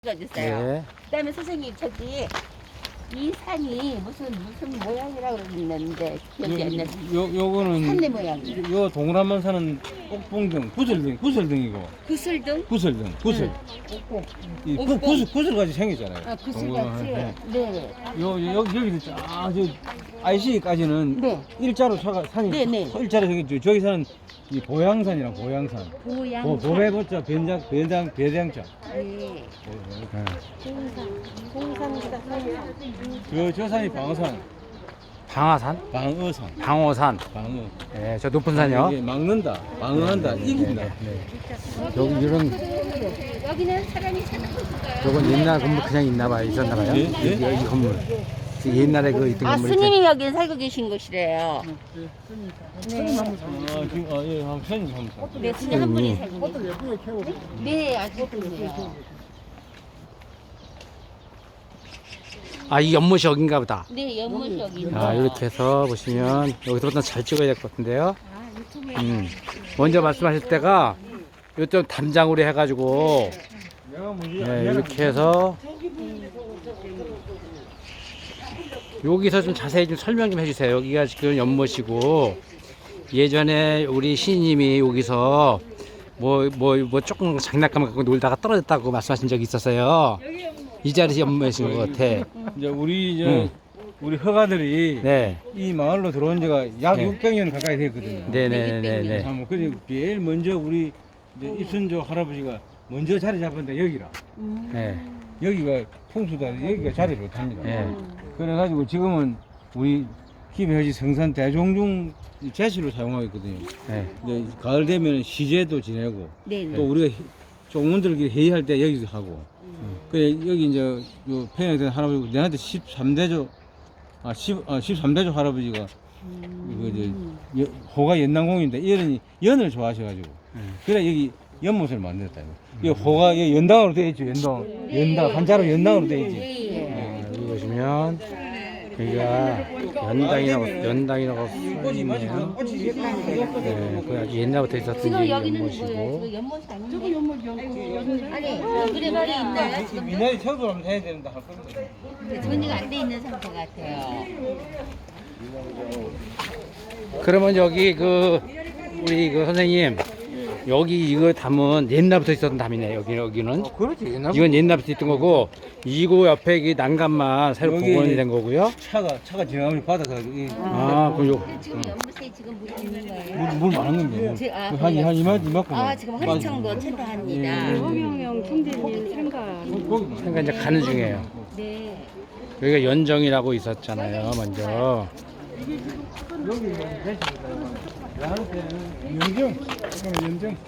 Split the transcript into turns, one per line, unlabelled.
찍어주세요.
네.
그다음에 선생님 저기 이 산이 무슨 모양이라고 그러는데 기억이 안 나서
요거는
산내 모양.
요 동그란 산은 옥봉등, 구슬등이고
구슬등?
구슬등, 구슬. 이
옥봉.
구슬같이 생겼잖아요.
아 구슬같이.
동그란,
네.
여기도 쫙저 IC까지는
네.
일자로 산이
네네.
일자로 생겼죠. 저기서는 이 보양산이랑 보양산.
보양.
보배보자 배장자.
네.
저 산이 방어산.
방아산?
방어산.
방어산.
방어.
네, 저 높은 산이요.
이게 막는다. 방어한다. 이긴다.
여기 이런
여기는 사람이 사는 곳인가요?
요건 옛날 건물 그냥 있나 봐요. 있었나 봐요.
예?
이 건물. 옛날에 그 있던
아
건물.
스님이 여기 살고 계신 곳이래요. 네.
지금 예, 한 편이 삼사.
네, 스님 한 분이 살고 계세요. 네, 아주 예쁘네요.
아, 이 연못이 여긴가 보다.
네, 연못이 여기.
아, 이렇게 해서 보시면 여기서부터 잘 찍어야 될 것 같은데요.
아, 유튜브에
먼저 말씀하실 때가 요점 담장으로 해가지고
내가 문제
네, 이렇게 해서 여기서 좀 자세히 좀 설명 좀 해주세요. 여기가 지금 연못이고 예전에 우리 시인님이 여기서 뭐 조금 장난감 갖고 놀다가 떨어졌다고 말씀하신 적이 있었어요. 이 자리에서 연못인 것 같아.
이제 우리
응.
우리 허가들이
네,
이 마을로 들어온 지가 약
네.
600년 가까이 됐거든요.
네네네네.
참 그래 제일 먼저 우리 이제 입순조 할아버지가 먼저 자리 잡았는데 여기라.
네,
여기가 풍수다. 여기가 자리를 못합니다.
네.
그래가지고 지금은 우리 김해지 성산 대종중 제시로 사용하고 있거든요.
네.
이제 가을 되면 시제도 지내고
네, 네.
또 우리가 종문들끼리 회의할 때 여기서 하고. 그래 여기 이제 요 평양된 할아버지 내한테 13대조 13대조 할아버지가 이거 이제 호가 연남공인데 연을 좋아하셔가지고 그래 여기 연못을 만들었다. 이 호가 여기 연당으로 되어 있죠. 연당 한자로 연당으로 되어 있지.
네.
여기 보시면 여기가 연당이라고 써있네요. 네, 그 아주 옛날부터 있었던
지금
게
여기는
연못이고.
뭐예요? 지금 연못이 아니에요? 저기 연못 아니, 그래 말이 있나요? 지금
미나리 철도를 해야 된다 할 겁니다.
전이가 안 돼 있는 상태 같아요.
그러면 여기 우리 선생님 여기 이거 담은 옛날부터 있었던 담이네. 여기는
그렇지.
이건 옛날부터 있던 거고 이거 옆에 이 난간만 새로
여기
복원이 된 거고요.
차가 지나가면 바다가
그럼 요
지금 연못에 지금 물 있는 거예요?
물 많은 게 한
그래요?
이만큼.
아, 지금 허리청도 채도합니다.
허경영 총재님 생각
그러니까 이제 가는 중이에요.
네.
여기가 연정이라고 있었잖아요. 먼저.
여기 나한테는 연정.